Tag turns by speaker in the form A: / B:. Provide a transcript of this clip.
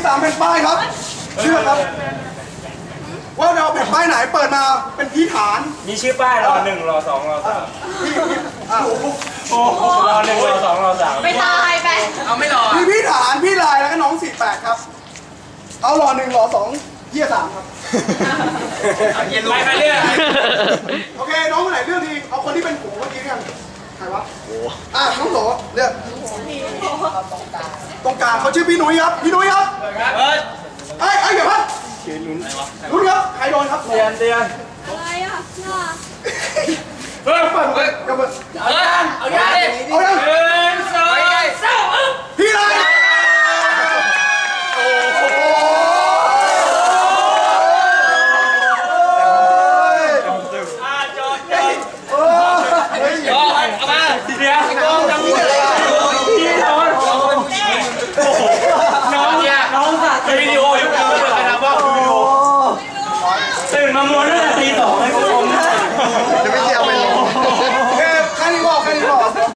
A: 3แผ่นป้ายครับเชื่อครับว่าเราแผ่นป้ายไหนเปิดมาเป็นพี่ฐาน
B: มีชื่อป้ายรอ1รอ2รอ3โอ้โหรอ1รอ2รอ3
C: ไปตายไป
B: เอาไม่รอ
A: มีพี่ฐานพี่ลายแล้วก็น้อง48ครับเอารอ1รอ2เฮีย3ครับ
B: ไปใครเลือก
A: โอเคน้องคนไหนเลือกดีเอาคนที่เป็นผัวเมื่อกี้กันใครวะน้องโหเลือกตรงกลางเขาชื่อพี่นุ้ยครับพี่นุ้ยครับเอ้ยเดี๋ยวครับลุ้นครับใครโดนครับ
B: เตือน
C: อะไรอ่ะน่า
A: เปิดเปิดเปิด
B: เอายังเอายัง
A: เอายัง
B: 1 2 3
A: พี่ลาย
B: จอดเอามาเดี๋ยวน้องจะพูดอะไรพี่น้องน้องสัตว์วิดีโอยุคนี้เลยนะว่าวิดีโอตื่นมาม้วนตั้งแต่ตี 2เลยคุณผู้ชม
A: จะไม่เกี่ยว